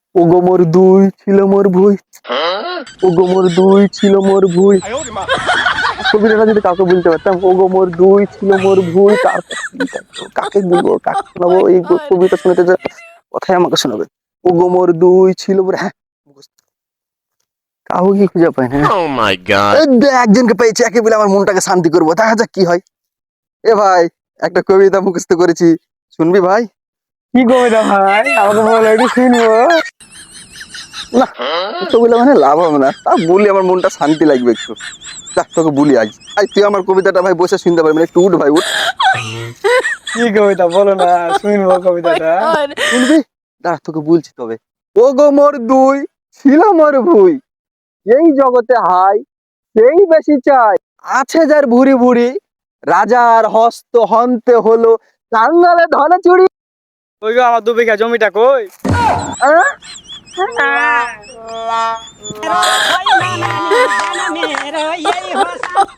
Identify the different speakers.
Speaker 1: ওগো মোর দুই ছিল মোর ভুই, ওগো মোর দুই ছিল মোর ভুই। কবিতাটা যদি কাউকে বলতে পারতাম, ওগো মোর দুই ছিল মোর ভুই, তারপর কাকে বলবো, কাকে শোনাবো এই কবিতা শুনতে যে কথাই আমাকে শোনাবে। ওগো মোর দুই ছিল মোর, হ্যাঁ কাউকে কি খুঁজে পায় না।
Speaker 2: Oh my god.
Speaker 1: একজনকে পেয়েছি, একে বলে আমার মনটাকে শান্তি করবো, দেখা যাক কি হয়। এ ভাই, একটা কবিতা মুখস্থ করেছি, শুনবি ভাই?
Speaker 3: কি কবিতা ভাই, আমাকে বলো একটু শুনবো।
Speaker 1: না, তো বলে মানে লাভ হবে না, তা বলি আমার মনটা শান্তি লাগবে একটু। দেখ তোকে বলি, আজ আজ তুই আমার কবিতাটা ভাই বসে শুনতে পারবি না, একটু উঠ ভাই উঠ।
Speaker 3: কি কবিতা বলো না, শুনবো কবিতাটা।
Speaker 1: শুনবি? দাঁড়া তোকে বলছি তবে। ও গো মোর দুই ছিল মোর ভুই, এই জগতে হাই সেই বেশি চাই, আছে যার ভুরি ভুরি, রাজার হস্ত হন্তে হলো কাঙ্গালে ধনে চুরি।
Speaker 3: ওই গো আমার 2 বিঘা জমিটা কই?
Speaker 1: আহ!